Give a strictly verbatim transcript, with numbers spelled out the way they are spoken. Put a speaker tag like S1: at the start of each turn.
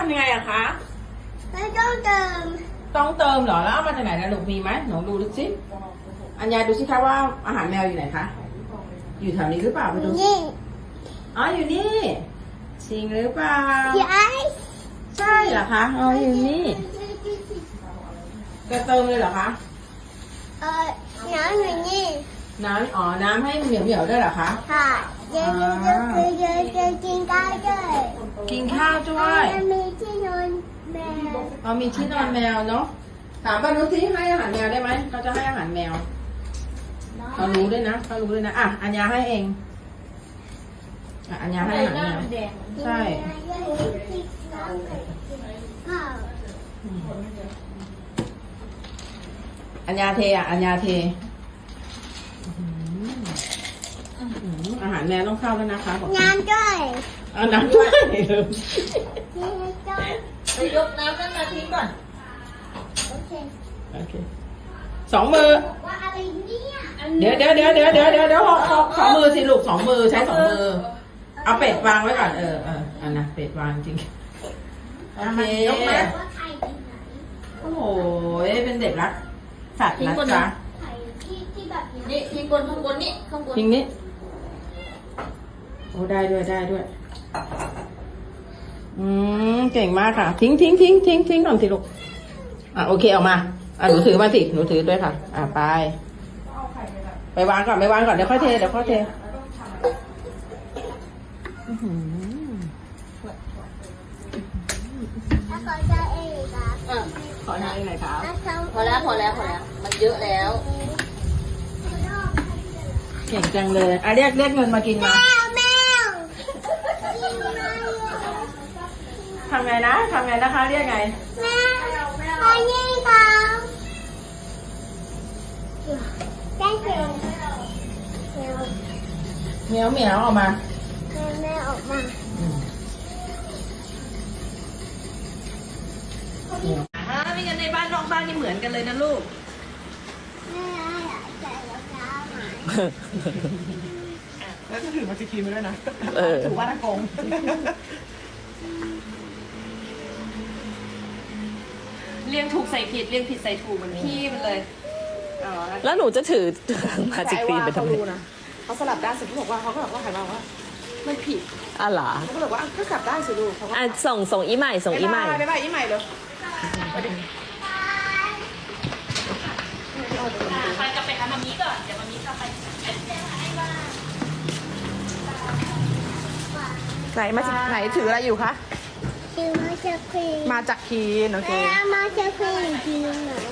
S1: ำยังไงอะคะ
S2: ไม่ต้องเติม
S1: ต้องเติมเหรอแล้วเอามาจากไหนนะลูกมีไหมหนูดูดูสิอัญญาดูสิคะว่าอาหารแมวอยู่ไหนคะอยู่แถวนี้หรือเปล่าไปดูสิ
S2: นี่
S1: อ๋ออยู่นี่จริงหรือเปล่า
S2: ย้าย
S1: ใช่เหรอคะอ๋ออยู่นี่จะเติมเลยเหรอคะ
S2: เออน้ำอยู่นี่
S1: น้ำอ๋อน้ำให้เหนียวเหนียวๆด้วยเหรอคะ
S2: ค่ะเดี๋ยวเดี๋ยวเดี๋ยวเดี๋ยวเดี๋ยวกินได้ด้วย
S1: กินข้าวด้วย
S2: มันมีที่นอนแมว
S1: อ๋อมีที่นอนแมวเนาะถามป้านุชสิให้อาหารแมวได้ไหมเขาจะให้อาหารแมวเขารู้ด้วยนะเขารู้ด้วยนะอ่ะอัญญาให้เองอ่ะอัญญาให้อาหารแมวใช่
S2: ข้าว
S1: อัญญาเทอ่ะอัญญาเทอื้อหืออาหารแมวต้องเข้าแล้วนะคะบอก
S2: น้ำด้วย
S1: เอาน้ำด้วยลืม
S2: นี่ด้วย
S3: ไปยกน้ำนั่นมาทิ้งก่อน
S2: โอเค
S1: โอเคสองมือ
S2: ว่าอะไรเนี่ย
S1: เดี๋ยวเดี๋ยวเดี๋ยวเดี๋ยวเดี๋ยวเดี๋ยวเดี๋ยวขอขอมือสิลูกสองมือใช้สองมือ เอาเป็ดวางไว้ก่อนเออเอออันนะเป็ดวางจริงโอเค
S3: ยกมา
S2: ว่าไข่ที่ไหน
S1: โอ้โหเป็นเด็กรักสัตว์
S3: ทิ้ง
S1: นะ
S3: คน
S1: จ๊ะ
S3: นะ
S2: ไข่ที่ที่แบบเนี้ย
S3: นี่ทิ้งบนข้างบนนี่ข้างบน
S1: ทิ้งนี้โอ้ได้ด้วยได้ด้วย อืมเก่งมากค่ะ ทิ้งทิ้งทิ้งทิ้งทิ้งก่อนสิลูกอ่ะโอเคออกมาอ่ะหนูถือมาสิหนูถือด้วยค่ะ อ่ะไปไปวางก่อนไปวางก่อนเดี๋ยวค่อยเทเดี๋ยวค่อยเทอื้อหือ
S2: ถ้าเขาจะเองครับ
S3: อ่ะ
S1: ขอทานอีกหน่อยครับ
S2: ถ้าเขา
S3: พอแล้วพอแล้วพอแล้ว มันเยอะแล้ว
S1: เก่งจังเลยอ่ะเรียกเรียกเงินมากิน
S2: แม
S1: มา
S2: วแมว
S1: ทำไงนะทำไงนะคะเรียกไง
S2: แมวอันนี้ครับแจ้งเกิดแมว
S1: เหมียวเหมียวออกมา
S2: แมวแมวออกมา
S1: อ่าไม่งั้นในบ้านนอกบ้านนี่เหมือนกันเลยนะลูก
S2: แม่อยากใส่รองเท้าไหม
S1: แล้วก็ถือมาสกีมาด้วยนะ
S4: เออ
S1: ถือว่าตะกง
S5: เรียงถูกใส่ผิดเรียงผิดใส่ถูกเหมือนพี่มันเลย
S1: อ๋อ
S4: แล้วหนูจะถือมาจิกฟิล์มไปทำไม
S1: เขารู้นะเขาสลับด้านเสร็จเขาบอกว่าเขาก็บอกว่าหันมาว่ามันผิด
S4: อ่ะเหรอ
S1: เขาก็บอกว่าก็กลับด้านสิลูกเขาก็
S4: อ่ะส่งส่งอีใหม่ส่งอีใหม่
S1: บ๊ายบายอีใหม่เร็ว
S5: ไปกลับไปหามามีก่อน เดี๋ยวมามีกลับไป
S1: ไหนมาจากไหนถืออะไรอยู่คะ
S2: คือมาจากควีน
S1: มาจากคีนโอเค
S2: แม่มาจากควีนจริงเหรอ